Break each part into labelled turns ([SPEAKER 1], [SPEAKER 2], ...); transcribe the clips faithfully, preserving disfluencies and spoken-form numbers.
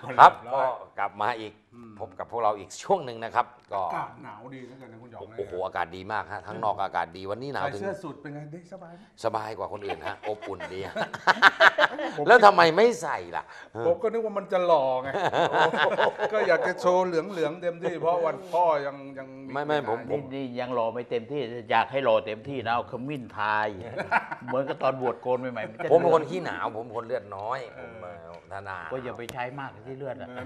[SPEAKER 1] ครับก็กลับมาอีกพบกับพวกเราอีกช่วงหนึ่งนะครับก็
[SPEAKER 2] อากาศหนาวดีนะกันนะคุณหยอง
[SPEAKER 1] โอ้โหอากาศดีมากฮะทั้งนอกอากาศดีวันนี้หนาว
[SPEAKER 2] ใส่
[SPEAKER 1] ถึง
[SPEAKER 2] เสื้อสูทเป็นไงได้สบายไหม
[SPEAKER 1] สบายกว่าคนอื่นฮะอบอุ่นดี แล้วทำไมไม่ใส่ล่ะ
[SPEAKER 2] ผมก็นึกว่ามันจะหล่อไงก็อยากจะโชว์เหลืองเหลืองๆเต็มที่เพราะวันพ่อยังยัง
[SPEAKER 1] ไม่ไม่ผมผ
[SPEAKER 3] นี่
[SPEAKER 1] ม
[SPEAKER 3] นี่ยังรอไม่เต็มที่อยากให้รอเต็มที่นะเอาขมิ้นทาย เหมือนกับตอนบวชโกนใหม่ๆมันจะ
[SPEAKER 1] ผมเป็นคนขี้หนาวผมเป็นคนเลือดน้อยผมเอ่อธนา
[SPEAKER 3] ก็อย่าไปใช้มากที่เลือดอ่ะ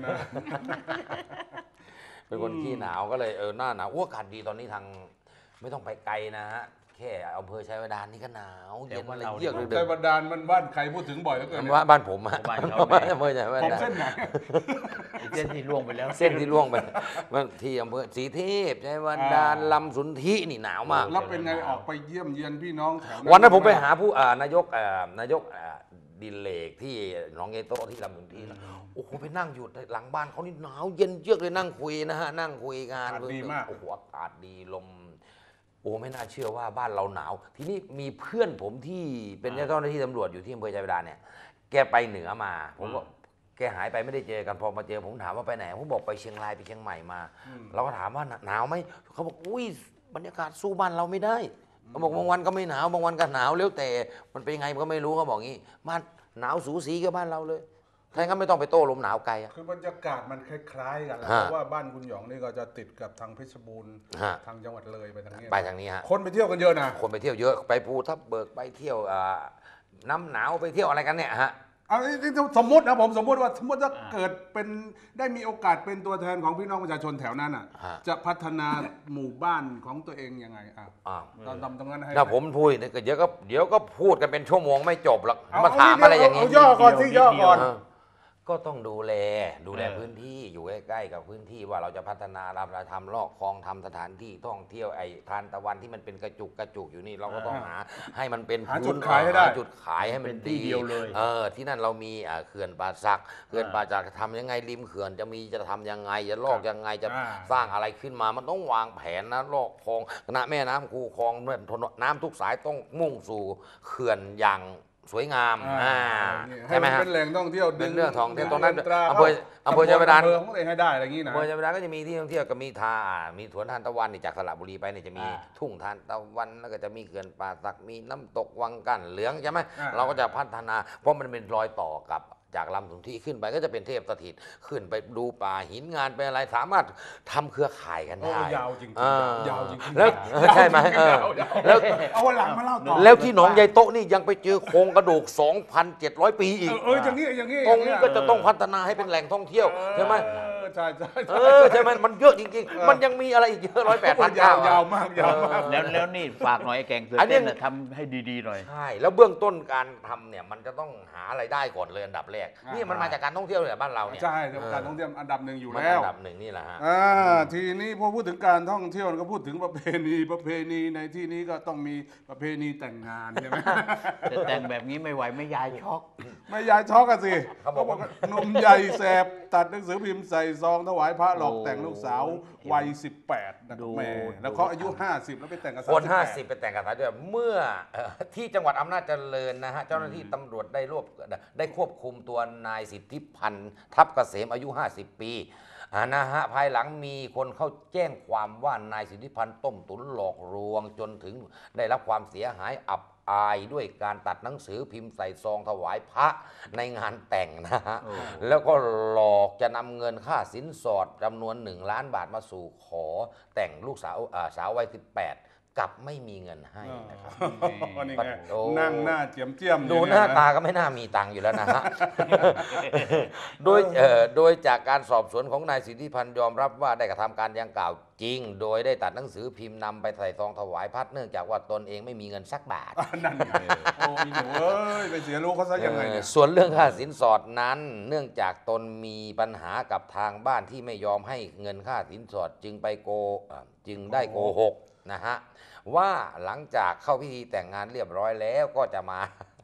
[SPEAKER 1] เป็นคนขี้หนาวก็เลยเออหน้าหนาวอ้วกอากาศดีตอนนี้ทางไม่ต้องไปไกลนะฮะแค่อำเภอชัยบาดาลนี่ก็หนาวเย็นอะไรเยือกเลยเดิ
[SPEAKER 2] ใจ
[SPEAKER 1] น
[SPEAKER 2] บันดาลมันบ้านใครพูดถึงบ่อยแล้วเกิน
[SPEAKER 1] บ้านบ้านผมฮะ
[SPEAKER 3] บ้านเขา
[SPEAKER 1] บ้านอำเภอชัยบา
[SPEAKER 2] ผม
[SPEAKER 1] ดาล
[SPEAKER 2] เส้นไหน
[SPEAKER 3] เส้นที่ล่วงไปแล้ว
[SPEAKER 1] เส้นที่ล่วงไปมันที่อำเภอศรีเทพชัยบาดาลลำสุนทินี่หนาวมาก
[SPEAKER 2] แล้วเป็นไงออกไปเยี่ยมเยียนพี่น้องแถว
[SPEAKER 1] วันนั้นผมไปหาผู้อ่านายกอ่านายกอ่าดิเลกที่หนองเยโตที่ลำสุนทินะโอ้โหไปนั่งอยู่หลังบ้านเขานี่หนาวเย็นเยือกเลยนั่งคุยนะฮะนั่งคุยกัน
[SPEAKER 2] อากาศดีมาก
[SPEAKER 1] โอ้โหอากาศดีลมโอ้ไม่น่าเชื่อว่าบ้านเราหนาว ทีนี้มีเพื่อนผมที่เป็นเจ้าหน้าที่ตำรวจอยู่ที่อำเภอชัยบาดาลเนี่ยแกไปเหนือมาผมก็แกหายไปไม่ได้เจอกันพอมาเจอผมถามว่าไปไหนผมบอกไปเชียงรายไปเชียงใหม่มา เราก็ถามว่าหนาวไหมเขาบอกอุ้ยบรรยากาศสู้บ้านเราไม่ได้เขาบอกบางวันก็ไม่หนาวบางวันก็หนาวแล้วแต่มันเป็นยังไงมันก็ไม่รู้เขาบอกงี้บ้านหนาวสูสีกับบ้านเราเลยถ้างั้นไม่ต้องไปโต้ลมหนาวไกลอะ
[SPEAKER 2] คือบรรยากาศมันคล้ายๆกันแหละ
[SPEAKER 1] ฮะ
[SPEAKER 2] เพราะว่าบ้านคุณหยองนี่ก็จะติดกับทางเพชรบูรณ์
[SPEAKER 1] ฮะ
[SPEAKER 2] ทางจังหวัดเลยไปทางนี้
[SPEAKER 1] ไปทางนี้ฮะ
[SPEAKER 2] คนไปเที่ยวกันเยอะนะ
[SPEAKER 1] คนไปเที่ยวเยอะไปภูทับเบิกไปเที่ยวอ่าน้ำหนาวไปเที่ยวอะไรกันเนี่ยฮะ
[SPEAKER 2] เอานี่สมมตินะผมสมมติว่าสมมติถ้าเกิดเป็นได้มีโอกาสเป็นตัวแทนของพี่น้องประชาชนแถวนั้นอ่ะ
[SPEAKER 1] ฮะ
[SPEAKER 2] จะพัฒนาหมู่บ้านของตัวเองยังไงอ่ะ
[SPEAKER 1] อ่า
[SPEAKER 2] ตอนทำตรงนั้นให้
[SPEAKER 1] ถ้าผมพูดเนี่ยก็เดี๋ยวก็เดี๋ยวก็พูดกันเป็นชั่วโมงไม่จบหรอก
[SPEAKER 2] เอ
[SPEAKER 1] มาถามอะไรอย่าง
[SPEAKER 2] นี้
[SPEAKER 1] นี้
[SPEAKER 2] ย่อก่อนสิย่อก่อน
[SPEAKER 1] เออก็ต้องดูแลดูแล
[SPEAKER 3] เออ
[SPEAKER 1] พื้นที่อยู่ใกล้ๆกับพื้นที่ว่าเราจะพัฒนาเราจะทำลอกคลองทำสถานที่ท่องเที่ยวไอ้ทานตะวันที่มันเป็นกระจุกกระจุกอยู่นี่เราก็ต้องหาให้มันเป็น
[SPEAKER 2] หาจุดขายให้ได้
[SPEAKER 1] หจุดขายให้มัน
[SPEAKER 3] เป็นที่
[SPEAKER 1] ดี
[SPEAKER 3] เดียวเลย
[SPEAKER 1] เออที่นั่นเรามีอ่าเขื่อนป่าสักเขื่อนป่าสักทำยังไงริมเขื่อนจะมีจะทำยังไงจะลอกยังไงจะ
[SPEAKER 2] อ่า
[SPEAKER 1] สร้างอะไรขึ้นมามันต้องวางแผนนะลอกคลองนะแม่น้ำคูคลองน้ำทุกสายต้องมุ่งสู่เขื่อนอย่างสวยงาม
[SPEAKER 2] อ่า
[SPEAKER 1] อ่า
[SPEAKER 2] นี่ให้
[SPEAKER 1] ใช่ไหม
[SPEAKER 2] มัน
[SPEAKER 1] ฮะ
[SPEAKER 2] เป็นแหล่งท่องเที่ยว
[SPEAKER 1] เป็นเรื่องท่องเที่ยว
[SPEAKER 2] ดึ
[SPEAKER 1] ตรงนั้น
[SPEAKER 2] ตรา
[SPEAKER 1] อำเภออำเภอชัยบาดาล
[SPEAKER 2] อำเภอของตัวเองให้ได้อะไรอย่างนี้นะ
[SPEAKER 1] อำเภอชัยบาดาลก็จะมีที่ท่องเที่ยวก็มีทามีสวนทานตะวันนี่จากสระบุรีไปเนี่ยจะมี
[SPEAKER 3] อ่า
[SPEAKER 1] ทุ่งทานตะวันแล้วก็จะมีเขื่อนป่าสักมีน้ำตกวังกั้นเหลืองใช่ไหม
[SPEAKER 2] อ่า
[SPEAKER 1] เราก็จะพัฒนาเพราะมันเป็นรอยต่อกับจากลำสุนทรีขึ้นไปก็จะเป็นเทพสถิตขึ้นไปดูป่าหินงานไปอะไรสามารถทำเครือข่ายกัน
[SPEAKER 2] โอ้
[SPEAKER 1] ได้
[SPEAKER 2] ยาวจริง
[SPEAKER 1] อ่า
[SPEAKER 2] ๆยาวจริงๆ
[SPEAKER 1] แล้ว
[SPEAKER 2] ยาว
[SPEAKER 1] ใช่ไหมเออ
[SPEAKER 2] ยาวๆ
[SPEAKER 1] แล้ว
[SPEAKER 2] เอาวันหลังมาเล่าต่อ
[SPEAKER 1] แล้วที่หนองยายโต๊ะนี่ยังไปเจอโครงกระดูก สองพันเจ็ดร้อย ปีอีก
[SPEAKER 2] เออเอออย่างนี้อย่างนี้
[SPEAKER 1] ตรงนี้ก็จะต้องพัฒนาให้เป็นแหล่งท่องเที่ยวใช่ไหม
[SPEAKER 2] เออใช่ใช่
[SPEAKER 1] เออใช่ไหมมันเยอะจริงๆ มันยังมีอะไรอีกเยอะร้อยแปดพัน
[SPEAKER 2] ยาว
[SPEAKER 1] เก้าย
[SPEAKER 2] าวมากยาวมาก
[SPEAKER 3] แล้วแล้วนี่ฝากหน่อยไอ้แกงเสือ
[SPEAKER 1] อันนี้
[SPEAKER 3] เต้นน่ะทำให้ดีๆหน่อย
[SPEAKER 1] ใช่แล้วเบื้องต้นการทำเนี่ยมันจะต้องหาอะไรายได้ก่อนเลยอันดับแรก
[SPEAKER 2] อ่านี่
[SPEAKER 1] นี่มันมาจากการท่องเที่ยวเนี่ยบ้านเราเนี่ย
[SPEAKER 2] ใช่การท่องเที่ยวอันดับหนึ่งอยู่
[SPEAKER 1] มัน
[SPEAKER 2] แล้ว
[SPEAKER 1] อันดับหนึ่งนี่แหละฮะ
[SPEAKER 2] อ่าทีนี้พอพูดถึงการท่องเที่ยวก็พูดถึงประเพณีประเพณีในที่นี้ก็ต้องมีประเพณีแต่งงานใช่ไหม
[SPEAKER 3] แต่แต่งแบบนี้ไม่ไหวไม่ยายช็อก
[SPEAKER 2] ไม่ยายช็อกกันสิ
[SPEAKER 1] เขาบอกว่า
[SPEAKER 2] หนุ่มใหญ่แสบตัดหนังสือพิมพ์ใส่ซองถวายพระหลอก
[SPEAKER 3] โอ้
[SPEAKER 2] แต่งลูกสาววัยสิบแปดนะ
[SPEAKER 3] ดู
[SPEAKER 2] แม่แล้วเขาอายุห้าสิบแล้วไปแต่งกับ
[SPEAKER 1] คน
[SPEAKER 2] สม
[SPEAKER 1] ห้า
[SPEAKER 2] แปด
[SPEAKER 1] สิบไปแต่งกับสาวด้วยเมื่อเอ่อที่จังหวัดอำนาจเจริญนะฮะเจ้าหน้าที่ตำรวจได้รวบได้ควบคุมตัวนายสิทธิพันธ์ทับเกษมอายุ ห้าสิบ ปีอ่านะฮะภายหลังมีคนเข้าแจ้งความว่านายสิทธิพันธ์ต้มตุ๋นหลอกลวงจนถึงได้รับความเสียหายอับอายด้วยการตัดหนังสือพิมพ์ใส่ซองถวายพระในงานแต่งนะฮะ
[SPEAKER 3] โอ้
[SPEAKER 1] แล้วก็หลอกจะนำเงินค่าสินสอดจำนวนหนึ่งล้านบาทมาสู่ขอแต่งลูกสาวอ่าสาววัยสิบแปดกลับไม่มีเงินให้นะครับ
[SPEAKER 2] อ๋อนี่ไง
[SPEAKER 1] โอ้
[SPEAKER 2] นั่งหน้าเจียมเจียม
[SPEAKER 1] ดู
[SPEAKER 2] อยู่
[SPEAKER 1] หน้า
[SPEAKER 2] เยะ
[SPEAKER 1] ตาก็ไม่น่ามีตังค์อยู่แล้วนะฮะ โดยเอ่อโดยจากการสอบสวนของนายสิทธิพันธ์ยอมรับว่าได้กระทำการดังกล่าวจริง โดยได้ตัดหนังสือพิมพ์นำไปใส่ซองถวายพัดเนื่องจากว่าตนเองไม่มีเงินสักบาท
[SPEAKER 2] อ่ะนั่นไงโอ้ยหนูเอ้ยไปเสียรู้เขาซะยังไงเนี่ย
[SPEAKER 1] เอ่อส่วนเรื่องค่าสินสอดนั้น เนื่องจากตนมีปัญหากับทางบ้านที่ไม่ยอมให้เงินค่าสินสอดจึงไปโกเอ่อจึงได้โกหกนะฮะว่าหลังจากเข้าพิธีแต่งงานเรียบร้อยแล้วก็จะมา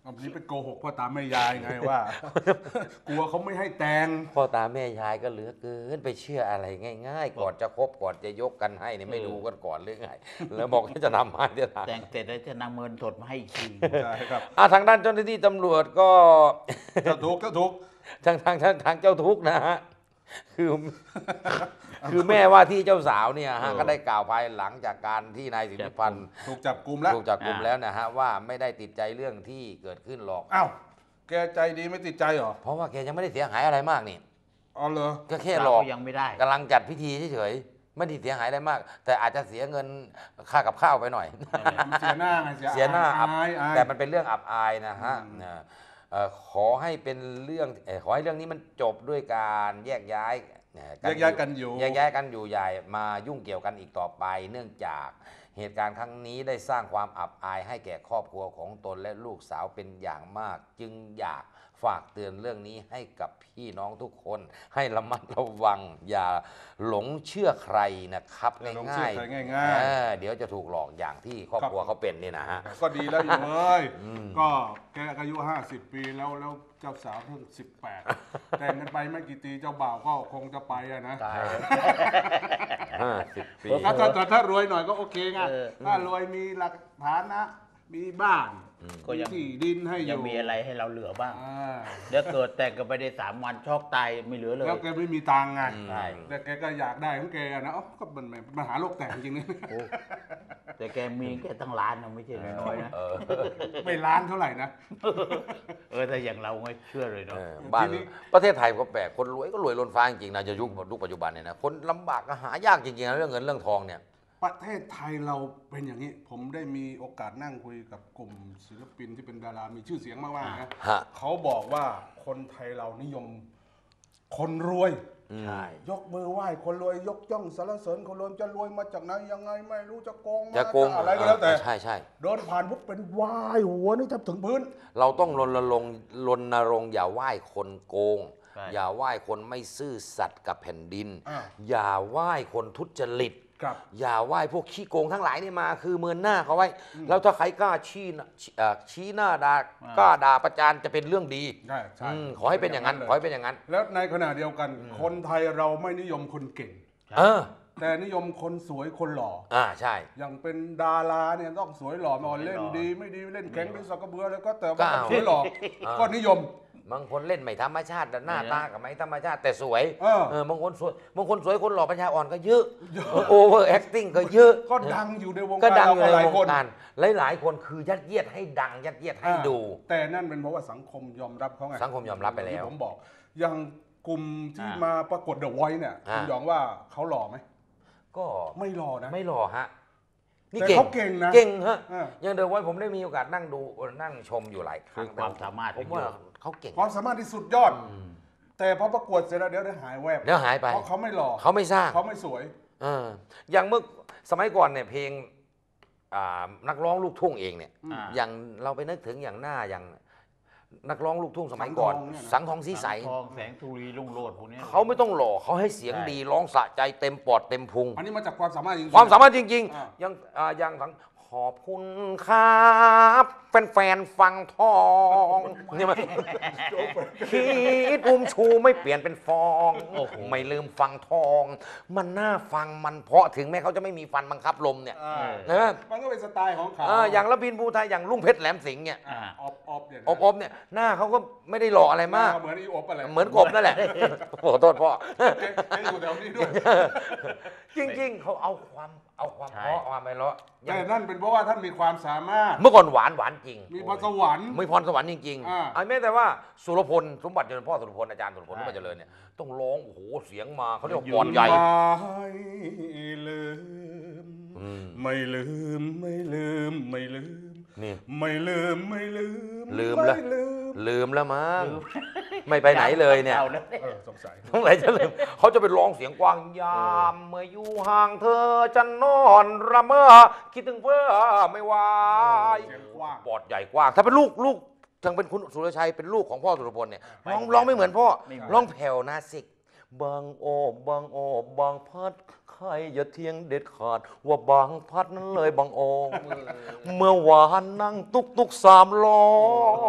[SPEAKER 2] อันนี้ไปโกหกพ่อตาแม่ยายไงว่า กลัวเขาไม่ให้แต่ง
[SPEAKER 1] พ่อตาแม่ยายก็เหลือเกินไปเชื่ออะไรง่ายๆ ก่อนจะคบก่อนจะยกกันให้เนี่ยไม่รู้กันก่อนหรือไงแล้วบอกว่าจะนำมาเดี๋ยวนะ
[SPEAKER 3] แต่งเสร็จแล้วจะนำเงินสดมาให้อีกที
[SPEAKER 2] ใช่ครับ
[SPEAKER 1] อ่ะทางด้านเจ้าหน้าที่ตำรวจก็
[SPEAKER 2] เจ้าทุกข์เจ้าทุกข์
[SPEAKER 1] ทางทางทางทางเจ้าทุกข์นะฮะคือคือแม่ว่าที่เจ้าสาวเนี่ยฮะก็ได้กล่าวภายหลังจากการที่นายสิทธิพันธ์
[SPEAKER 2] ถูกจับกลุ่มแล้ว
[SPEAKER 1] ถูกจับกลุ่มแล้วนะฮะว่าไม่ได้ติดใจเรื่องที่เกิดขึ้นหรอก
[SPEAKER 2] อ้าวแกใจดีไม่ติดใจเหรอ
[SPEAKER 1] เพราะว่าแกยังไม่ได้เสียหายอะไรมากนี่
[SPEAKER 2] อ๋อเหรอ
[SPEAKER 1] ก็แค่หลอก
[SPEAKER 3] เรายังไม่ได้
[SPEAKER 1] กำลังจัดพิธีเฉยๆไม่ได้เสียหายอะไรมาก แต่อาจจะเสียเงินค่ากับข้าวไปหน่อย
[SPEAKER 2] เสียหน้าไง
[SPEAKER 1] เสียหน้าอับ
[SPEAKER 2] อายอาย
[SPEAKER 1] แต่มันเป็นเรื่องอับอายนะฮะ
[SPEAKER 2] อืม
[SPEAKER 1] นะเอ่อขอให้เป็นเรื่องเอ่อขอให้เรื่องนี้มันจบด้วยการแยกย้ายเอ่อ
[SPEAKER 2] แยกย้ายกันอยู่
[SPEAKER 1] แยกย้ายกันอยู่อย่ามายุ่งเกี่ยวกันอีกต่อไป เนื่องจากเหตุการณ์ครั้งนี้ได้สร้างความอับอายให้แก่ครอบครัวของตนและลูกสาวเป็นอย่างมาก จึงอยากฝากเตือนเรื่องนี้ให้กับพี่น้องทุกคน ให้ระมัดระวัง อย่าหลงเชื่อใครนะครับ
[SPEAKER 2] อย่าหลง
[SPEAKER 1] ง่า
[SPEAKER 2] เชื่อย ใครง่ายๆ
[SPEAKER 1] เออเดี๋ยวจะถูกหลอกอย่างที่ครอบครัวเขาเป็นนี่นะฮะ
[SPEAKER 2] ก็ดีแล้วอยู่เอ้ย
[SPEAKER 1] อืม
[SPEAKER 2] ก็แกอายุห้าสิบปีแล้วแล้วเจ้าสาวเพิ่งสิบแปดแต่งกันไปไม่กี่ปีเจ้าบ่าวก็คงจะไปอะนะ
[SPEAKER 3] ตาย
[SPEAKER 1] ห้าสิบปี
[SPEAKER 2] ถ้าถ้าถ้าถ้ารวยหน่อยก็โอเคไง
[SPEAKER 3] เออ
[SPEAKER 2] ถ้ารวยมีหลักฐานะ มีบ้าน
[SPEAKER 3] ก็ยัง
[SPEAKER 2] มีที่ดินให้อ
[SPEAKER 3] ยัง
[SPEAKER 2] ยู่
[SPEAKER 3] มีอะไรให้เราเหลือบ้าง
[SPEAKER 2] อ่า
[SPEAKER 3] เดี๋ยวเกิดแต่งกันไปได้สามวันช็อกตายไม่เหลือเลย
[SPEAKER 2] แล้วแกไม่มีตังค์ไง
[SPEAKER 3] ใช่
[SPEAKER 2] แต่แกก็อยากได้ของแกอะนะเอ้าก็มันมันมันหาโรคแตกจริงๆนะ
[SPEAKER 3] โอ้แต่แกมีแค่ตั้งล้านนะไม่ใช่น้อยๆนะ
[SPEAKER 1] เออ
[SPEAKER 2] ไม่ล้านเท่าไหร่นะ
[SPEAKER 3] เออแต่อย่างเราไม่เชื่อเลยเนาะ
[SPEAKER 1] เออบ้าน
[SPEAKER 2] ทีนี้
[SPEAKER 1] ประเทศไทยก็แปลกคนรวยก็รวยล้นฟ้าจริงๆนะจะยุคยุคปัจจุบันเนี่ยนะคนลำบากก็หายากจริงๆนะเรื่องเงินเรื่องทองเนี่ย
[SPEAKER 2] ประเทศไทยเราเป็นอย่างนี้ ผมได้มีโอกาสนั่งคุยกับกลุ่มศิลปินที่เป็นดารา มีชื่อเสียงมากๆนะ
[SPEAKER 1] ฮะ
[SPEAKER 2] เขาบอกว่าคนไทยเรานิยม คนรวย
[SPEAKER 3] ใช่
[SPEAKER 2] ยกมือไหว้คนรวยยกย่องสรรเสริญคนรวยจะรวยมาจากไหนยังไงไม่รู้จะโกงมา
[SPEAKER 1] จะโกง
[SPEAKER 2] อะไรก็แล้วแต่
[SPEAKER 1] ใช่ใช่
[SPEAKER 2] เดินผ่านปุ๊บเป็นไหว้หัวนี่แทบถึงพื้น
[SPEAKER 1] เราต้องรณรงค์รณรงค์อย่าไหว้คนโกง
[SPEAKER 3] ใช่
[SPEAKER 1] อย่าไหว้คนไม่ซื่อสัตย์กับแผ่นดิน
[SPEAKER 2] อ่า
[SPEAKER 1] อย่าไหว้คนทุจริต
[SPEAKER 2] ครับ
[SPEAKER 1] อย่าไหว้พวกขี้โกงทั้งหลายนี่มาคือเมินหน้าเขาไว้ แล้วถ้าใครกล้าชี้หน้าเอ่อชี้หน้าด่ากล้าด่าประจานจะเป็นเรื่องดี
[SPEAKER 2] ใช่ใช่
[SPEAKER 1] อืมขอให้เป็นอย่างนั้น
[SPEAKER 2] เลย
[SPEAKER 1] ขอให้เป็นอย่างนั้น
[SPEAKER 2] แล้วในขณะเดียวกัน คนไทยเราไม่นิยมคนเก่ง
[SPEAKER 1] เออ
[SPEAKER 2] แต่นิยมคนสวยคนหล่อ
[SPEAKER 1] อ่าใช่
[SPEAKER 2] อย่างเป็นดาราเนี่ยต้องสวยหล่อไมาเล่นดีไม่ดีเล่นแข็งเป็นสักกระเบือแล้วก็แต่
[SPEAKER 1] ก็
[SPEAKER 2] ว่า
[SPEAKER 1] เอา
[SPEAKER 2] สวยหล่อ
[SPEAKER 1] อ่า
[SPEAKER 2] ก็นิยม
[SPEAKER 1] บางคนเล่นไม่ธรรมชาติแต่หน้าตากับไม่ธรรมชาติแต่สวย
[SPEAKER 2] เออ
[SPEAKER 1] เออบางคนสวยบางคนสวยคนหล่อปัญญาอ่อนก็เยอะโอเวอร์แอคติ้งก็เยอะ
[SPEAKER 2] ก็ดังอยู่ในวง
[SPEAKER 1] ก็
[SPEAKER 2] การ
[SPEAKER 1] ดัง
[SPEAKER 2] เรา
[SPEAKER 1] อยู่
[SPEAKER 2] ก็
[SPEAKER 1] ใน
[SPEAKER 2] หลายว
[SPEAKER 1] ง
[SPEAKER 2] คน
[SPEAKER 1] การหลายๆคนคือยัดเยียดให้ดังยัดเยียดให้ดู
[SPEAKER 2] อ่าแต่นั่นเป็นเพราะว่าสังคมยอมรับเขาไง
[SPEAKER 1] สังคมยอมรับไปแล้ว
[SPEAKER 2] ที่ผมบอก อย่างกลุ่มที่
[SPEAKER 3] อ่าม
[SPEAKER 2] มาประกวดเดอะไวท์เนี่ย
[SPEAKER 1] อ่า
[SPEAKER 2] คุณหยองว่าเขาหล่อไหม
[SPEAKER 1] ก็
[SPEAKER 2] ไม่หล่อนะ
[SPEAKER 1] ไม่หล่อฮะนี่
[SPEAKER 2] แต่
[SPEAKER 1] เก่ง
[SPEAKER 2] เขาเก่งนะ
[SPEAKER 1] เก่งฮะ
[SPEAKER 2] อ่า
[SPEAKER 1] อย่างเดิมไว้ผมได้มีโอกาสนั่งดูนั่งชมอยู่หลายครั้ง
[SPEAKER 3] คือความสามารถ
[SPEAKER 1] ผมว่าเขาเก่ง
[SPEAKER 2] ความสามารถที่สุดยอด แต่พอประกวดเสร็จแล้วเดี๋ยวเดี๋ยวหายแวบ
[SPEAKER 1] เดี๋ยวหายไป
[SPEAKER 2] เพราะเขาไม่หล่อ
[SPEAKER 1] เขาไม่สร้าง
[SPEAKER 2] เขาไม่สวย
[SPEAKER 1] เอออย่างเมื่อสมัยก่อนเนี่ยเพลงอ่านักร้องลูกทุ่งเองเนี่ย
[SPEAKER 3] อ่า
[SPEAKER 1] อย่างเราไปนึกถึงอย่างหน้าอย่างนักร้องลูกทุ่งสมัยก่อน สังทองสีใส
[SPEAKER 3] ทองแสงธุรีรุ่งโรจน์พวกนี้
[SPEAKER 1] เขาไม่ต้องหล่อเขาให้เสียง
[SPEAKER 3] ใช่
[SPEAKER 1] ดีร้องสะใจเต็มปอดเต็มพุง
[SPEAKER 2] อันนี้มาจากความสามารถจริงๆ
[SPEAKER 1] ความสามารถจริง
[SPEAKER 2] อ่า
[SPEAKER 1] ๆ ยังอ่ายังทั้งขอบคุณครับแฟนๆฟังทองนี่มันคิดอุ้มชูไม่เปลี่ยนเป็นฟอง
[SPEAKER 3] โอ้โห
[SPEAKER 1] ไม่ลืมฟังทอง มันน่าฟังมันเพราะถึงแม้เขาจะไม่มีฟันบังคับลมเนี่ย
[SPEAKER 2] อ่า
[SPEAKER 1] เออ
[SPEAKER 2] มันก็เป็นสไตล์ของเขา
[SPEAKER 1] เอออย่างละพินภูไทยอย่างลุงเพชรแหลมสิงห์เนี่ย
[SPEAKER 3] อ่า
[SPEAKER 2] ออบออบเนี่ยนะ
[SPEAKER 1] อบอบเนี่ยหน้าเขาก็ไม่ได้หล่ออะไรมาก
[SPEAKER 2] เหมือนอีอบอะไร
[SPEAKER 1] เหมือนกบนั่นแหละขอโทษพ่อ
[SPEAKER 2] แกแกอยู่แถวนี้ด้วย
[SPEAKER 1] จริงๆ เขาเอาความเอาความ
[SPEAKER 3] ใช่
[SPEAKER 1] เพราะความไปเลาะอย่า
[SPEAKER 2] แต่
[SPEAKER 1] ง
[SPEAKER 2] นั่นเป็นเพราะว่าท่านมีความสามารถ
[SPEAKER 1] เมื่อก่อนหวานหวานจริง
[SPEAKER 2] มีพรสวรรค์
[SPEAKER 1] มีพรสวรรค์จริง
[SPEAKER 2] อ่า
[SPEAKER 1] ๆไอ้แม้แต่ว่าสุรพลสมบัติเจริญพ่อสุรพลอาจารย์สุรพล
[SPEAKER 3] ใช่
[SPEAKER 1] สมบัติเจริญเนี่ยต้องร้องโอ้โหเสียงมาเขาเรียกว่าปอดใหญ่
[SPEAKER 2] ไม่ลืม
[SPEAKER 1] อืม
[SPEAKER 2] ไม่ลืมไม่ลืมไม่ลืม
[SPEAKER 1] นี่
[SPEAKER 2] ไม่ลืมไม่ลืม
[SPEAKER 1] ลืมแล้ว
[SPEAKER 2] ไลืม
[SPEAKER 1] ลืมแล้วมั้งไม่ไปไหนเลยเนี่ย
[SPEAKER 3] อาแล้ว
[SPEAKER 2] เออสงสัย
[SPEAKER 1] ต้องไหนจะลืมเขาจะไปร้องเสียงกว้างยามเมื่ออยู่ห่างเธอจะนอนระเมอคิดถึงเพื่อไม่ไหว
[SPEAKER 2] เสียงกว้าง
[SPEAKER 1] ปอดใหญ่กว้าง ถ้าเป็นลูกลูกทางเป็นคุณสุรชัยเป็นลูกของพ่อสุรพลเนี่ยร้องร้องไม่เหมือนพ่อ
[SPEAKER 3] ไม่เหมือน
[SPEAKER 1] ร้องแผ่วนาสิกบางโอบางโอบางพัดใครอย่าเทียงเด็ดขาด ว่าบางพัดนั้นเลยบางโอเมื่อวานนั่งตุกตุกสามล้อ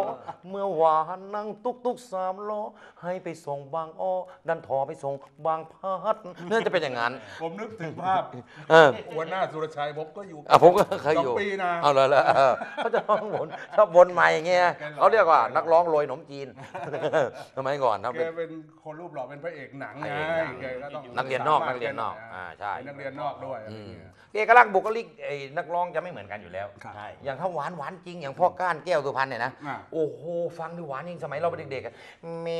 [SPEAKER 1] เมื่อวานนั่งตุกตุกสามล้อให้ไปส่งบางอ้อดันทอไปส่งบางพัดน่าจะเป็นอย่างนั้น
[SPEAKER 2] ผมนึกถึงภาพ
[SPEAKER 1] เออ
[SPEAKER 2] หัวหน้าสุรชัยผมก็อยู่
[SPEAKER 1] อ่ะผมก็เคยอยู่
[SPEAKER 2] สองปีนะ
[SPEAKER 1] เอาเลยละเขาจะร้องบนชอบวนใหม่อย่างเงี้ยเขาเรียกว่านักร้องโรยขนมจีนสมัยก่อนเขา
[SPEAKER 2] แก
[SPEAKER 1] เป็น
[SPEAKER 2] เป็นคนรูปหล่อเป็นพระเอกหนังไง
[SPEAKER 1] พระเอกหนัง
[SPEAKER 2] แกก็ต้อง
[SPEAKER 1] นักเรียนนอก
[SPEAKER 2] สามารถ
[SPEAKER 1] นักเรียนนอก
[SPEAKER 2] แ
[SPEAKER 1] อ่าใช่
[SPEAKER 2] เป็นนักเรียนนอกด้วยอะไร
[SPEAKER 1] อืม
[SPEAKER 2] เงี้ย
[SPEAKER 1] เอกลักษณ์บุคลิกไอ้นักร้องจะไม่เหมือนกันอยู่แล้ว
[SPEAKER 2] ครับ
[SPEAKER 3] ใช่
[SPEAKER 1] อย่างถ้าหวานหวานจริงอย่างพ่อก้านแก้วสุพรรณเนี่ยนะ
[SPEAKER 2] อ่า
[SPEAKER 1] โอ้โหฟังดูหวานจริงสมัยเราเป็นเด็กๆอะเม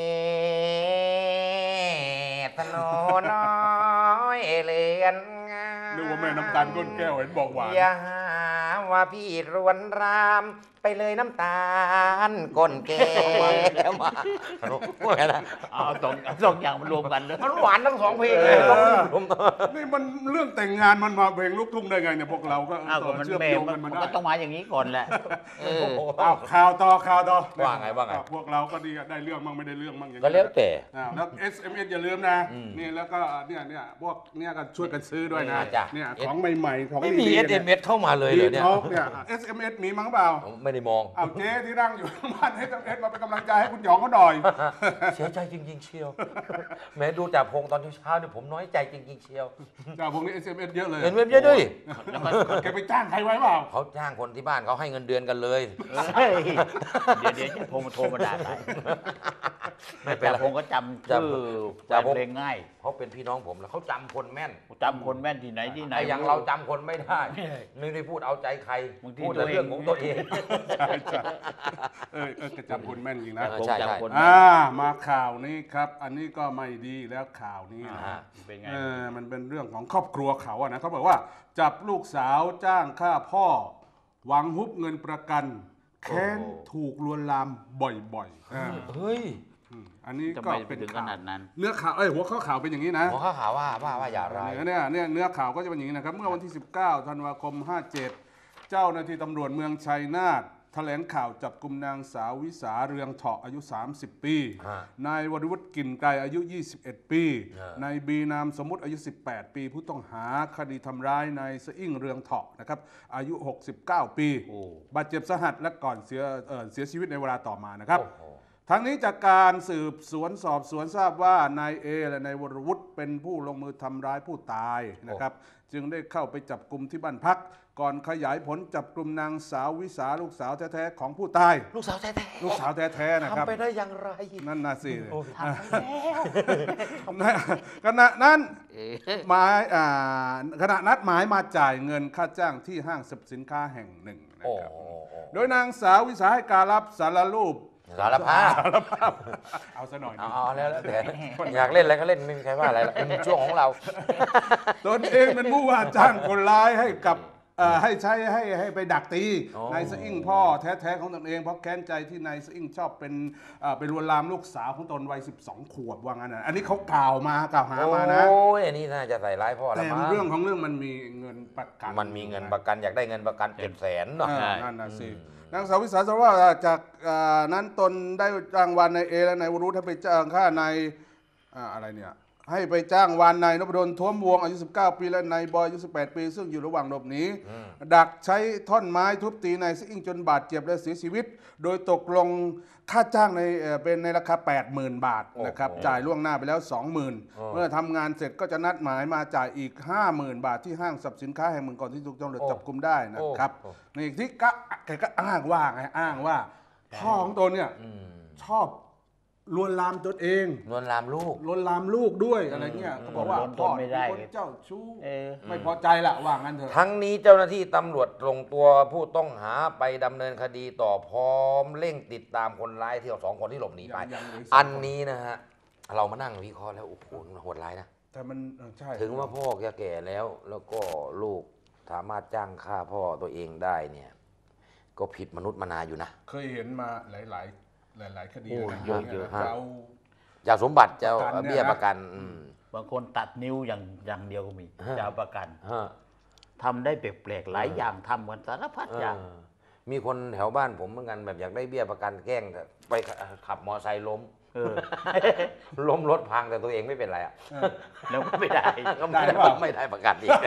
[SPEAKER 1] ตโนน้อยเลือนงาม
[SPEAKER 2] นึกว่าแม่น้ำตาลก้นแก้วเห็นบอกหวาน
[SPEAKER 1] อย่าหาว่าพี่รวนรามไปเลยน้ำตาลก้นแก้วมาสนุกว่าไงนะ
[SPEAKER 3] เอาสองเอาสองอย่างมารวมกันเลย
[SPEAKER 1] มันหวานทั้งสองเพลงเลยต้องผม
[SPEAKER 2] นี่มันเรื่องแต่งงานมันมาเพลงลูกทุ่งได้ไงเนี่ยพวกเราก็
[SPEAKER 3] อ้าวก็มัน
[SPEAKER 2] เชื่อม
[SPEAKER 3] แม่
[SPEAKER 2] โยง
[SPEAKER 3] มั
[SPEAKER 2] กัน นมา
[SPEAKER 3] มัน
[SPEAKER 2] ได้
[SPEAKER 3] ก็ต้องมาอย่างนี้ก่อนแหละเออ
[SPEAKER 2] อ้าวข่าวต่อข่าวต่อ
[SPEAKER 1] ว่าไงว่าไง
[SPEAKER 2] อ่ะพวกเราก็ดีอะได้เรื่องมั่งไม่ได้เรื่องมั่งอย่าง
[SPEAKER 1] ก็
[SPEAKER 2] นี้
[SPEAKER 1] แล้วแต่
[SPEAKER 2] อ่าแล้ว เอส เอ็ม เอส อย่าลืมนะนี่แล้วก็เนี่ยเนี่ยพวกเนี่ยก็ช่วยกันซื้อด้วยนะ
[SPEAKER 1] อ่าจ้ะ
[SPEAKER 2] เนี่ยของใหม่ๆของ
[SPEAKER 1] ไม่มี
[SPEAKER 2] ดี
[SPEAKER 1] เอ
[SPEAKER 2] ๆ
[SPEAKER 1] สเอ็มเอสเข้ามาเลยเหรอเนี่ย
[SPEAKER 2] ท็อกเนี่ย เอส เอ็ม เอส มีมั้งเปล่า
[SPEAKER 1] ผมไม่ได้มอง
[SPEAKER 2] เอาเจ๊ที่นั่งอยู่ข้างบ้าน เอส เอ็ม เอส มาเป็นกำลังใจให้คุณหยองเขาหน่อย
[SPEAKER 1] เสียใจจริง ๆ เชียว แม้ดูจากพงตอนเช้าๆเนี่ยผมน้อยใจจริง ๆ เชียว
[SPEAKER 2] จ้าพวกนี้ เอส เอ็ม เอส เยอะเลย
[SPEAKER 1] เห็นเว็บเยอะด้วย
[SPEAKER 3] แล้วก็
[SPEAKER 2] แกไปจ้างใครไว้เปล่า
[SPEAKER 1] เขาจ้างคนที่บ้านเขาให้เงินเดือนกันเลย
[SPEAKER 3] เฮ้ยเดี๋ยวเดี๋ยวจะโทรมาโทรมาด่าใคร
[SPEAKER 1] ไม่เป็นไร
[SPEAKER 3] แต่ผมก็จำชื่อ
[SPEAKER 1] จำ
[SPEAKER 3] แฟนเพลงง่าย
[SPEAKER 1] เขาเป็นพี่น้องผมแล้วเขาจำคนแม่น
[SPEAKER 3] จำคนแม่นที่ไหนที่ไหน
[SPEAKER 1] ไอ้อย่างเราจำคนไม่ได้นึกได้พูดเอาใจใคร
[SPEAKER 3] บางที
[SPEAKER 1] พูดแต่เรื่องของตัวเอง
[SPEAKER 2] ใช่ใช่เออเออแกจำคนแม่นจริงนะ
[SPEAKER 1] เออ
[SPEAKER 3] ผม
[SPEAKER 1] ใช่ใช่
[SPEAKER 3] จำคน
[SPEAKER 2] อ่ามาข่าวนี้ครับ อันนี้ก็ไม่ดีแล้วข่าวนี้นะ
[SPEAKER 1] อ่า
[SPEAKER 3] เป็นไง
[SPEAKER 2] เออมันเป็นเรื่องของครอบครัวเขาอะนะเขาบอกว่า จับลูกสาวจ้างฆ่าพ่อ หวังฮุบเงินประกัน แค้น
[SPEAKER 1] โอ้
[SPEAKER 2] ถูกลวนลามบ่อยๆอ่า
[SPEAKER 1] เฮ้ย
[SPEAKER 2] อืมอันนี้
[SPEAKER 3] จะ
[SPEAKER 2] ก็
[SPEAKER 3] ไม่ไป
[SPEAKER 2] เป็น
[SPEAKER 3] ถึงข
[SPEAKER 2] ข่าว
[SPEAKER 3] นาดนั้น
[SPEAKER 2] เนื้อข่าวเอ้ยหัวข้อข่าวเป็นอย่างนี้นะ
[SPEAKER 1] หมอข้าข่าวว่าว่าว่าอย่าร้าย
[SPEAKER 2] เนื้อเนี่ยเนี่ยเนื้อข่าวก็จะเป็นอย่างนี้นะครับ เมื่อวันที่ สิบเก้า ธันวาคม ห้าเจ็ด เจ้าหน้าที่ตำรวจเมืองชัยนาทแถลงข่าวจับกุมนางสาววิสาเรืองเถาะอายุ สามสิบ ปี
[SPEAKER 1] ฮะ
[SPEAKER 2] นายวรวุฒิกลิ่นไกรอายุ ยี่สิบเอ็ด ปี
[SPEAKER 1] ฮะ
[SPEAKER 2] นายบีนามสมมุติอายุ สิบแปด ปี ผู้ต้องหาคดีทำร้ายนายสะอิ่งเรืองเถาะนะครับอายุ หกสิบเก้า ปี
[SPEAKER 3] โอ้
[SPEAKER 2] บาดเจ็บสาหัสและก่อนเสียเอ่อเสียชีวิตในเวลาต่อมานะครับ
[SPEAKER 1] โอ้โห
[SPEAKER 2] ทั้งนี้จากการสืบสวนสอบสวนทราบว่านายเอและนายวรวุฒิเป็นผู้ลงมือทำร้ายผู้ตายนะครับ จึงได้เข้าไปจับกลุ่มที่บ้านพัก ก่อนขยายผลจับกลุ่มนางสาววิสาลูกสาวแท้ๆของผู้ตาย
[SPEAKER 1] ลูกสาวแท้ๆ
[SPEAKER 2] ลูกสาวแท้ๆนะครับ
[SPEAKER 1] ทำไปได้อย่างไร
[SPEAKER 2] นั่นน่ะสิ
[SPEAKER 1] โอ้ทำไปแล้ว
[SPEAKER 2] ขณะนั้นหมายอ่าขณะนัดหมายมาจ่ายเงินค่าจ้างที่ห้างสรรพสินค้าแห่งหนึ่งนะ
[SPEAKER 1] โอ้
[SPEAKER 2] ครับ
[SPEAKER 1] โห
[SPEAKER 2] โดยนางสาววิสาให้การรับสารรูป
[SPEAKER 1] สารภาพ
[SPEAKER 2] สารภาพเอาซะหน่อย
[SPEAKER 1] เอา
[SPEAKER 2] ดิ
[SPEAKER 1] เอาแล้วแล้วแต่อยากเล่นอะไรก็เล่นไม่มีใครว่าอะไรหรอกเป็นช่วงของเรา
[SPEAKER 2] ตนเองเป็นผู้ว่าจ้างคนร้ายให้กับเอ่อให้ใช้ให้ให้ไปดักตี
[SPEAKER 1] อ๋อ
[SPEAKER 2] นายสะอิ่งพ่อแท้ๆของตนเองเพราะแค้นใจที่นายสะอิ่งชอบเป็นเอ่อเป็นลวนลามลูกสาวของตนวัยสิบสองขวบว่างั้นนะอันนี้เขากล่าวมากล่าวหามานะ
[SPEAKER 1] โอ้ยอันนี้น่าจะใส่ร้ายพ่อแล้
[SPEAKER 2] แต่
[SPEAKER 1] วมั้ง
[SPEAKER 2] เรื่องของเรื่องมันมีเงินประกัน
[SPEAKER 1] มันมีเงินประกันอยากได้เงินประกันเจ็ดแสนเนาะ
[SPEAKER 2] เออ
[SPEAKER 3] ใช่
[SPEAKER 2] นั่นนะสินางสาววิสาสารว่าจากเอ่อนั้นตนได้จ้างวานนายเอและนายวรุธให้ไปจ้างค่านายอ่าอะไรเนี่ยให้ไปจ้างวานนายนพดลท้วมวงอายุ สิบเก้า ปีและนายบอยอายุ สิบแปด ปี ซึ่งอยู่ระหว่างหลบหนีดักใช้ท่อนไม้ทุบตีนายซิ่งจนบาดเจ็บและเสียชีวิต โดยตกลงค่าจ้างในเอ่อเป็นในราคา แปดหมื่น บาทนะครับ
[SPEAKER 1] โอ้โห
[SPEAKER 2] จ่ายล่วงหน้าไปแล้ว สองหมื่น
[SPEAKER 1] อ๋อ
[SPEAKER 2] เมื่อทำงานเสร็จก็จะนัดหมายมาจ่ายอีก ห้าหมื่น บาทที่ห้างสรรพสินค้าแห่งหนึ่งก่อนที่ถูกตำรวจจับกุมได้นะครับ
[SPEAKER 1] โอ้
[SPEAKER 2] นี่ที่ก็แกก็อ้างว่าไงอ้างว่าพ่อของตนเนี่ย
[SPEAKER 1] อืม
[SPEAKER 2] ชอบลวนลามตนเอง
[SPEAKER 1] นวลลามลูก
[SPEAKER 2] ลวนลามลูกด้วยอะไรเงี้ยเขาบอกว่า
[SPEAKER 3] ทน
[SPEAKER 2] พ่อ
[SPEAKER 3] ไม่ได้
[SPEAKER 2] เป็นคนเจ้าชู้
[SPEAKER 3] เออ
[SPEAKER 2] ไม่พอใจละว่างั้นเถอะ
[SPEAKER 1] ทั้งนี้เจ้าหน้าที่ตำรวจลงตัวผู้ต้องหาไปดำเนินคดีต่อพร้อมเร่งติดตามคนร้ายที่เอาสองคนที่หลบหนีไป
[SPEAKER 2] ยังยังเหลืออีกสองคน
[SPEAKER 1] อันนี้นะฮะ เรามานั่งวิเคราะห์แล้วโอ้โหมันโหดร้ายนะ
[SPEAKER 2] แต่มันเออใช่
[SPEAKER 1] ถึงว่าพ่อแกแก่แล้ว แล้วก็ลูกสามารถจ้างฆ่าพ่อตัวเองได้เนี่ย ก็ผิดมนุษย์มนาอยู่นะ
[SPEAKER 2] เคยเห็นมาหลายหลายหลายหลายๆคดี
[SPEAKER 1] โอ้
[SPEAKER 2] นะ
[SPEAKER 1] เยอะเยอะ
[SPEAKER 2] จะเอา
[SPEAKER 1] จะเอาสมบัติจะเอา
[SPEAKER 2] ประกันเนี่ยนะ
[SPEAKER 1] เบี้ยประกันอืม
[SPEAKER 3] บางคนตัดนิ้วอย่างอย่างเดียวก็มี
[SPEAKER 1] ฮะ
[SPEAKER 3] จะเอาประกัน
[SPEAKER 1] ฮะ
[SPEAKER 3] ทำได้แปลกๆหลายอย่างทำกันสารพัดอย่าง
[SPEAKER 1] เออมีคนแถวบ้านผมเหมือนกันแบบอยากได้เบี้ยประกันแกล้งไปขับมอไซค์ล้ม
[SPEAKER 3] เออ
[SPEAKER 1] ล้มรถพังแต่ตัวเองไม่เป็นไรอ่ะ
[SPEAKER 2] เออ
[SPEAKER 3] แล้วก็ไม่ได้
[SPEAKER 1] ก็
[SPEAKER 2] ได้
[SPEAKER 1] ไม่
[SPEAKER 2] หรือเปล่า
[SPEAKER 1] ไม่ได้ประกันอีก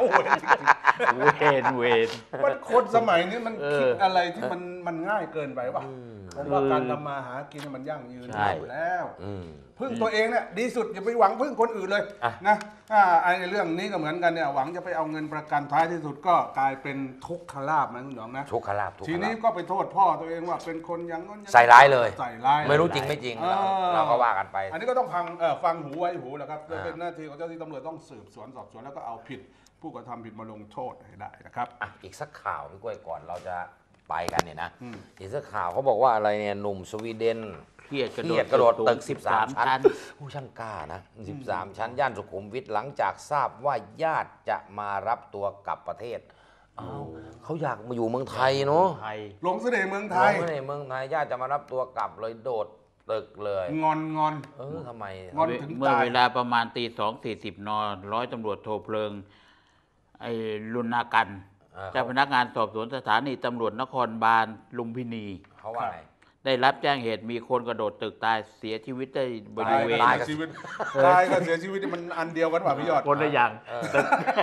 [SPEAKER 3] เวนเวน
[SPEAKER 2] มันคนสมัยนี้มัน
[SPEAKER 3] เออ
[SPEAKER 2] คิดอะไรที่มันมันง่ายเกินไปวะ
[SPEAKER 1] อืม
[SPEAKER 2] เอผมว่าการทำมาหากินมันยั่งยืน
[SPEAKER 3] ใช่
[SPEAKER 2] อยู่แล้ว
[SPEAKER 1] อืม
[SPEAKER 2] พึ่งตัวเองเนี่ยดีสุดอย่าไปหวังพึ่งคนอื่นเลย
[SPEAKER 1] อ่ะ
[SPEAKER 2] นะอ่าไอ้เรื่องนี้ก็เหมือนกันเนี่ยหวังจะไปเอาเงินประกันท้ายที่สุดก็กลายเป็นทุกขลาภนะคุณหยองนะ
[SPEAKER 1] ทุกขลาภทุกข
[SPEAKER 2] ที
[SPEAKER 1] ลา
[SPEAKER 2] นี้
[SPEAKER 1] ภ
[SPEAKER 2] ก็ไปโทษพ่อตัวเองว่าเป็นคนอย่างนั้นอง
[SPEAKER 1] ใส่ร้ายเลย
[SPEAKER 2] ใส่ร้าย
[SPEAKER 1] ไม่รู้จริงไม่จริง
[SPEAKER 2] เออ
[SPEAKER 1] เราเราก็ว่ากันไป
[SPEAKER 2] อันนี้ก็ต้องฟังเอ่อฟังหูไว้หูแหละครับ
[SPEAKER 1] อ่า
[SPEAKER 2] เป็นหน้าที่ของเจ้าหน้าที่ตำรวจต้องสืบสวนสอบสวนแล้วก็เอาผิดผู้กระทำผิดมาลงโทษให้ได้นะครับ
[SPEAKER 1] อ่ะอีกสักข่าวพี่กล้วยก่อนเราจะไปกันเนี่ยนะ
[SPEAKER 2] อืม
[SPEAKER 1] อีกสักข่าวเขาบอกว่าอะไรเนี่ยหนุ่มสวีเดน
[SPEAKER 3] เครียดกระ
[SPEAKER 1] เค
[SPEAKER 3] โด
[SPEAKER 1] รี
[SPEAKER 3] ด
[SPEAKER 1] ยดกระโดดตึก
[SPEAKER 3] สูง
[SPEAKER 1] 13 ชั้น
[SPEAKER 3] ชั้น
[SPEAKER 1] ผู้ช่างกล้านะ13 ชั้น ย่านสุขุมวิทหลังจากทราบว่าญาติจะมารับตัวกลับประเทศอ้าวเขาอยากมาอยู่เมืองไทยเนาะ
[SPEAKER 3] ไทย
[SPEAKER 2] หลงเสน่ห์เมืองไท
[SPEAKER 1] ล
[SPEAKER 2] ย
[SPEAKER 1] งมาในเมืองไทยญาติจะมารับตัวกลับเลยโดดตึกเลย
[SPEAKER 2] งอนงอน
[SPEAKER 1] เออทำไม
[SPEAKER 2] งอน ถึง
[SPEAKER 3] เมื่อ
[SPEAKER 2] ตาย
[SPEAKER 3] เวลาประมาณตีสองสี่สิบนร้อยตำรวจโทเพลิง ไอ้รุนากัน
[SPEAKER 1] เออ
[SPEAKER 3] เจ้าพนักงานสอบสวนสถานีตำรวจนครบาลลุมพินี
[SPEAKER 1] เขาว่าไง
[SPEAKER 3] ได้รับแจ้งเหตุมีคนกระโดดตึกตายเสียชีวิตได้บริเวณ
[SPEAKER 2] ตายกับเสียชีวิตตายกับเสียชีวิตนี่มันอันเดียวกันป่ะพี่ยอด
[SPEAKER 3] คนละอย่าง
[SPEAKER 1] เออ
[SPEAKER 3] ตึก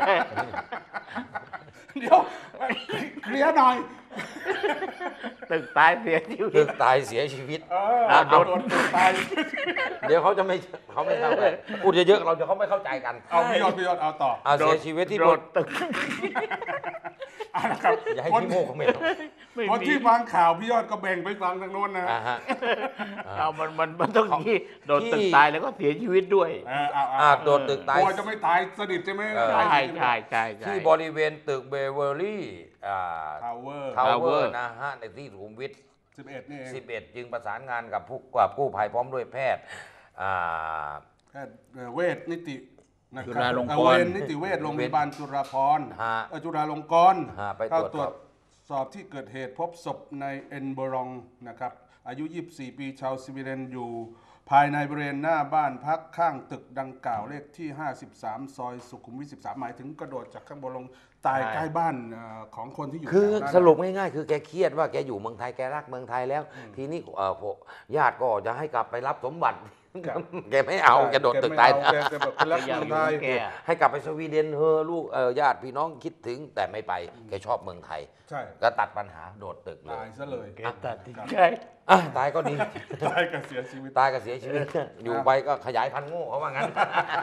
[SPEAKER 2] เดี๋ยวเคลียร์หน่อย
[SPEAKER 3] ตึกตายเสียชีวิ
[SPEAKER 1] ตึ
[SPEAKER 3] ต
[SPEAKER 1] กตายเสียชีวิต
[SPEAKER 2] เออ
[SPEAKER 1] อ่ะ
[SPEAKER 2] โดนตึกตาย
[SPEAKER 1] เดี๋ยวเขาจะไม่เขาไม่เข้าใจพูดเยอะๆเราจะเขาไม่เข้าใจกัน
[SPEAKER 2] เอาพี่ยอดพี่ยอดเอาต่อ
[SPEAKER 1] เอาเสียชีวิตที่
[SPEAKER 3] โด
[SPEAKER 1] บ
[SPEAKER 3] ด
[SPEAKER 1] น
[SPEAKER 3] ตึก
[SPEAKER 2] เอาละครับ
[SPEAKER 1] อย่าให้
[SPEAKER 2] คน
[SPEAKER 1] พี่โมกคอมเมนต์
[SPEAKER 3] ไม่
[SPEAKER 2] คน
[SPEAKER 3] มี
[SPEAKER 2] ที่ฟังข่าวพี่ยอดก็แบ่งไปฟังทางโน้นนะ
[SPEAKER 1] อ่าฮะ
[SPEAKER 3] เอามันมันมันต้องอย่างนี้โดดตึก
[SPEAKER 1] ที่
[SPEAKER 3] ตายแล้วก็เสียชีวิตด้วย
[SPEAKER 2] เออเอา
[SPEAKER 1] อ่า
[SPEAKER 2] เอา
[SPEAKER 1] โดดตึกตาย
[SPEAKER 2] กลัวจะไม่ตายสนิทใช่ไหม
[SPEAKER 1] เออ
[SPEAKER 3] ใช่ใช่ใช่ใช่
[SPEAKER 1] ที่บริเวณตึกเบเวอร์ลี่อ่า
[SPEAKER 2] ทาวเวอร์
[SPEAKER 1] ทาวเวอ
[SPEAKER 3] Tower
[SPEAKER 1] ร์นะฮะในที่สุขุมวิท
[SPEAKER 2] สิบเอ็ดนี่เอง
[SPEAKER 1] สิบเอ็ดจึงประสานงานกับผู้กับกู้ภัยพร้อมด้วยแพทย์อ่า
[SPEAKER 2] แพทย์เอ่อเวชนิตินะค
[SPEAKER 3] จุ
[SPEAKER 2] รับ
[SPEAKER 3] ฬาลงกรณ์
[SPEAKER 2] เอ่อเวรนิติเวชโรงพยาบาลจุฬาภรณ์
[SPEAKER 1] ฮะ
[SPEAKER 2] เอ่อจุฬาลงกรณ์
[SPEAKER 1] ฮะไป
[SPEAKER 2] เข้า
[SPEAKER 1] ต
[SPEAKER 2] ต
[SPEAKER 1] ร
[SPEAKER 2] ร
[SPEAKER 1] ว
[SPEAKER 2] ว
[SPEAKER 1] จ
[SPEAKER 2] จสอบที่เกิดเหตุพบศพในเอ็นเบอรองนะครับอายุ ยี่สิบสี่ ปีชาวสวีเดนอยู่ ภายในบริเวณหน้าบ้านพักข้างตึกดังกล่าวเลขที่ ห้าสิบสาม ซอยสุขุมวิท สิบสาม หมายถึงกระโดดจากข้างบนลงตาย
[SPEAKER 3] ใช่
[SPEAKER 2] ใกล้บ้านเอ่อของคนที่อยู่
[SPEAKER 1] คือ
[SPEAKER 2] แถวนั้น
[SPEAKER 1] สรุปง่ายๆ คือแกเครียดว่าแกอยู่เมืองไทยแกรักเมืองไทยแล้ว ทีนี้เอ่อพวกญาติก็จะให้กลับไปรับสมบัติ แกไม่เอาแกโดดตึกตาย
[SPEAKER 2] แกไม่เอแกแกแบบเป็นรัก
[SPEAKER 3] อยาก
[SPEAKER 2] เมือง
[SPEAKER 3] อยู่
[SPEAKER 2] ไทย
[SPEAKER 3] แก
[SPEAKER 1] ให้กลับไปสวีเดนเฮอะลูกเออญาติพี่น้องคิดถึงแต่ไม่ไปแกชอบเมืองไทย
[SPEAKER 2] ใช่
[SPEAKER 1] ก็ตัดปัญหาโดดตึกเล
[SPEAKER 2] ตาย ยซะเลย
[SPEAKER 3] แกตัดสินใจ
[SPEAKER 1] อ่ะตายก็ดี
[SPEAKER 2] ตายกับเสียชีวิต
[SPEAKER 1] ตายก็เสียชีวิต อยู่ไปก็ขยายพันธุ์โง่เขาว่างั้น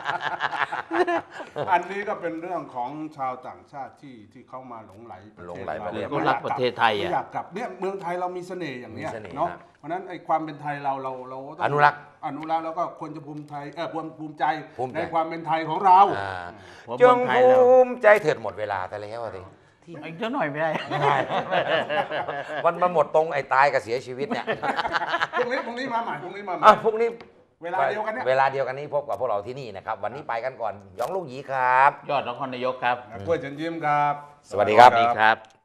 [SPEAKER 2] อันนี้ก็เป็นเรื่องของชาวต่างชาติที่ที่เข้ามาหลงไหลประเทศ
[SPEAKER 1] หลงไหลประเทศ
[SPEAKER 3] เขารักประเทศไทย
[SPEAKER 2] ไม่
[SPEAKER 3] อ่ะ
[SPEAKER 2] อยากกลับเนี่ยเมืองไทยเรามีเสน่ห์อย่างเนี้ย
[SPEAKER 1] มีเสน่ห์
[SPEAKER 2] เนาะ
[SPEAKER 1] ครับ
[SPEAKER 2] เพราะฉะนั้นไอ้ความเป็นไทยเราเราเราต้ง
[SPEAKER 1] อนุรักษ์
[SPEAKER 2] อนุรักษ์แล้วก็ควรจะภูมิใจเออภูมิภูมิใจ
[SPEAKER 1] ภูมิใจ
[SPEAKER 2] ในความเป็นไทยของเรา
[SPEAKER 1] อ่า
[SPEAKER 3] ผม
[SPEAKER 1] จง
[SPEAKER 3] เมืองไทยแล้ว
[SPEAKER 1] ภูมิใจเถิดหมดเวลาแต่แล้วอะสิ
[SPEAKER 3] อีกเจ้าหน่อยไม่ได้
[SPEAKER 1] ไม่ได้ มันมาหมดตรงไอ้ตายกับเสียชีวิตเนี่ย
[SPEAKER 2] พรุ่งนี้พรุ่งนี้มาใหม่พรุ่งนี้มาใหม่
[SPEAKER 1] อ่ะพรุ่งนี้
[SPEAKER 2] เวลาเดียวกันเนี่ย
[SPEAKER 1] เวลาเดียวกันนี้พบกับพวกเราที่นี่นะครับ วันนี้ไปกันก่อนหยองลูกหยีครับ
[SPEAKER 3] ยอดนครนายกครับ
[SPEAKER 2] กล้วยเชิญยิ้มครับ
[SPEAKER 1] สวัสดีครับ
[SPEAKER 3] สวัสดีครับ